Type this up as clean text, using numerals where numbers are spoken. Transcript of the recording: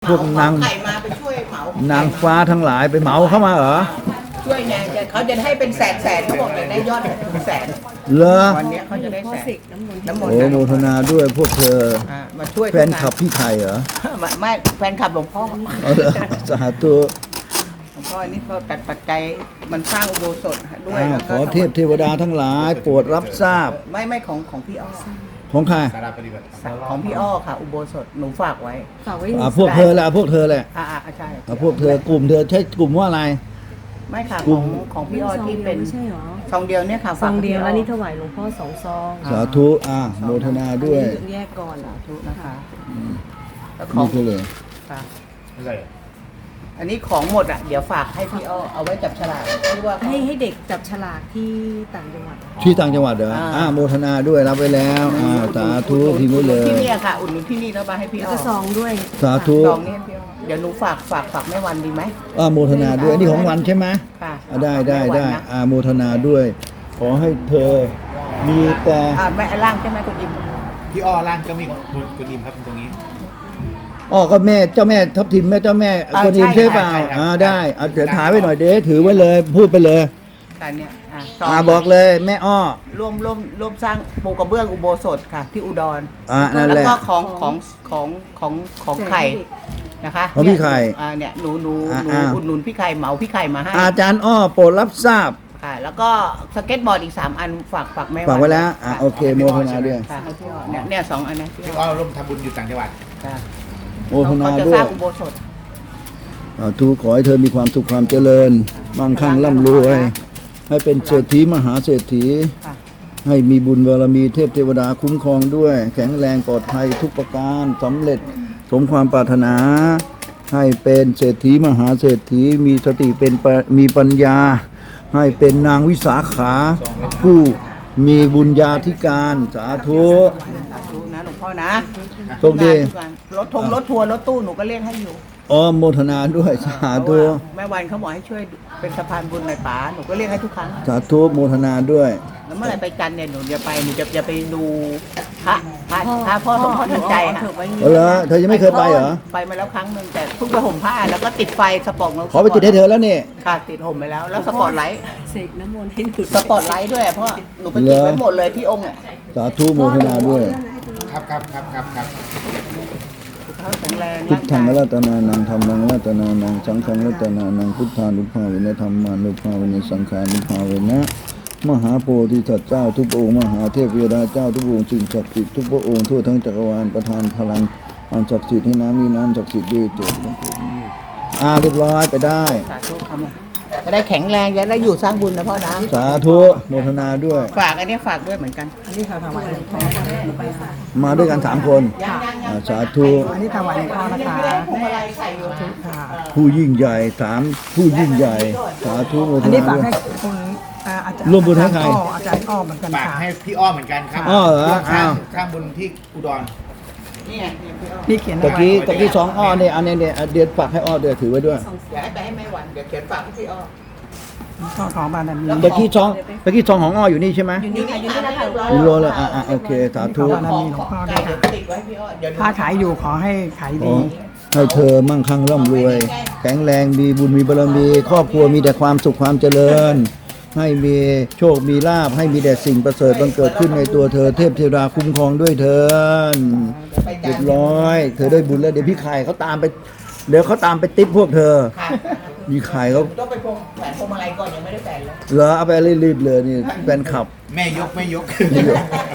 พวกนางไข่มาไปช่วยเหมานางฟ้าทั้งหลายไปเหมาเข้ามาเหรอช่วยไงเขาจะให้เป็นแสนเขาบอกจะได้ยอดถึงแสนเหรอวันนี้เขาจะได้แสนน้ำมนโอ้ต์โมทนาด้วยพวกเธอมาช่วยแฟนคลับพี่ไข่เหรอไม่แฟนคลับหลวงพ่อเอาเหรอสาธุหลวงพ่อนี่เขาตัดปัจจัยมันสร้างอุโบสถด้วยขอเทพเทวดาทั้งหลายโปรดรับทราบไม่ของพี่อ้อของใครของพี่อ้อค่ะ อุโบสถหนูฝากไว้ฝากไว้พวกเธอแหละพวกเธอแหละใช่พวกเธอกลุ่มเธอใช้กลุ่มว่าอะไรไม่ค่ะกลุ่มของพี่อ้อที่เป็นไม่ใช่หรอซองเดียวเนี่ยค่ะซองเดียวฝากแล้วพี่นี่ถวายหลวงพ่อ2 ซองสาธุโมทนาด้วยอันนี้แยกก่อนสาธุนะคะแล้วขอนี่งคือเลยค่ะอันนี้ของหมดเดี๋ยวฝากให้พี่อ้อเอาไว้จับฉลากที่ว่าให้เด็กจับฉลากที่ต่างจังหวัดที่ต่างจังหวัดเหรอโมทนาด้วยรับไว้แล้วสาธุทีนี้เลยที่นี่ค่ะอุ่นหนุนที่นี่แล้วมาให้พี่แล้วอ้อก็ซองด้วยสาธุซองนี้ให้พี่อ้อเดี๋ยวหนูฝากแม่วันดีไหมโมทนาด้วยนี่ของวันใช่ไหมค่ะได้แม่วันนะโมทนาด้วย ขอให้เธอมีแต่แม่ล่างใช่ไหมคุณอิมพี่อ้อร่างก็มีคุณอิมครับตรงนี้ก็แม่เจ้าแม่ทับทิมแม่เจ้าแม่คนอิมใช่เปล่าได้เดี๋ยวถ่ายไว้หน่อยเด้ถือไว้เลยพูดไปเลยการเนี่ยซองบอกเลยแม่อ้อร่วมสร้างปูกระเบื้องอุโบสถค่ะที่อุดรนั่นแล้วแหละก็ของไข่นะคะของพี่ไข่เนี่ยหนูอุดหนุนพี่ไข่เหมาพี่ไข่มาให้อาจารย์อ้อโปรดรับทราบค่ะแล้วก็สเก็ตบอร์ดอีก3อันฝากแม่ฝากไว้แล้วค่ะโอเคโมทนาด้วยค่ะให้พี่อ้อเนี่ย2อันนะพี่พี่อ้อ้ออร่วมทำบุญอยู่ต่างจังหวัดค่ะโมทนาเขาจะด้สวร้าย งอุโบสถทุกขอให้เธอมีความสุขความเจริญมั่งคั่งร่ำรวย ให้เป็นเศรษฐีมหาเศรษฐีค่ะให้มีบุญบารมีเทพเทวดาคุ้มครองด้วย แข็งแรงปลอดภัยทุกประการสำเร็จสมความปรารถนา ให้เป็นเศรษฐีมหาเศรษฐีมีสติมีปัญญา ให้เป็นนางวิสาขา ผู้มีบุญญาธิการสาธุสาธุนะหลวงพ่อนะโชคดีรถทัวร์รถตู้หนูก็เรียกให้อยู่โมทนาด้วยสาเพธุราะว่าแม่วันเขาบอกให้ช่วยเป็นสะพานบุญหน่อยป๋าหนูก็เรียกให้ทุกครั้งสาธุโมทนาด้วยแล้วเมื่อไหร่ไปจันทร์เนี่ยหนูจะไปดูพระพ่อสมพรทันใจค่ะเหรอเธอยังไม่เคยไปเหรอไปมาแล้วครั้งหนึ่งแต่เพิ่งไปห่มผ้าแล้วก็ติดไฟสปอร์ตขอไปติดให้เธอแล้วนี่ค่ะติดห่มไปแล้วแล้วสปอร์ตไลท์เสกน้ำมนต์ให้หนูสปอร์ตไลท์ด้วยเพราะหนูไปติดไว้หมดเลยที่องค์อ่ะสาธุโมทนาด้วยครับสุขภาพแข็งแรงพุทธังรัตนานังธรรมังรัตนานังสังฆังรัตนานังพุทธานุภาเวนะธรรมานุภาเวนะสังฆานุภาเวนะมหาโพธิสัตว์เจ้าทุกพระองค์มหาเทพเทวดาเจ้าทุกพระองค์สิ่งศักดิ์สิทธิ์ทุกพระองค์ทั่วทั้งจักรวาลประทานพลังอันศักดิ์สิทธิ์ให้น้ำมีน้ำศักดิ์สิทธิ์ด้วยเถิดเรียบร้อยไปได้สาธุครับจะได้แข็งแรงจะได้อยู่สร้างบุญนะพ่อนะสาธุโมทนาด้วยฝากอันนี้ฝากด้วยเหมือนกันอันนี้ค่ะถวายหลวงพ่อมาด้วยกัน3 คน สาธุอันนี้ถวายหลวงพ่อนะคะพวงมาลัยใส่อยู่ค่ะผู้ยิ่งใหญ่3ผู้ยิ่งใหญ่สาธุโมทอันนี้นาฝากด้วยให้คุณอาจารย์ร่วมบุญให้ใครอาจารย์อ้อเหมือนกันฝากค่ะให้พี่อ้อเหมือนกันครับอ้อเหรอร่วมสร้างอ้าวสร้างบุญที่อุดรนี่ไงพี่อ้อนี่เขียนตะกี้2 อ้อเนี่ยอันนี้เนี่ยเดี๋ยวฝากให้อ้อเดี๋ยวถือไว้ด้วยเดี๋ยวให้ไปให้แม่วันเดี๋ยวเขียนฝากให้พี่อ้อข้อของบารมีตะกี้2ของอ้ออยู่นี่ใช่ไหมอยู่นี่ค่ะอยู่นี่นะคะอยู่โลละโอเคสาธุบารมีหลวงพ่อด้วยค่ะติดไว้ให้พี่อ้อเดี๋ยวค้าขายอยู่ขอให้ขายขอดีให้เธอมั่งคั่งร่ำรวย แข็งแรงมีบุญมีบารมี ครอบครัวมีแต่ความสุขความเจริญ ให้มีโชคมีลาภให้มีแต่สิ่งประเสริฐบังเกิดขึ้นในตัวเธอเทพเทวดาคุ้มครองด้วยเธอเรียบร้อย เธอได้บุญแล้วเดี๋ยวพี่ไข่เขาตามไปเดี๋ยวเขาตามไปติ๊บพวกเธอค่ะมีไข่เขาต้องไปแขวนพวงมาลัยก่อนยังไม่ได้แขวนเลยเหรอเอาไปรีบๆเลยนี่แฟนคลับแม่ยกนี่เหรอ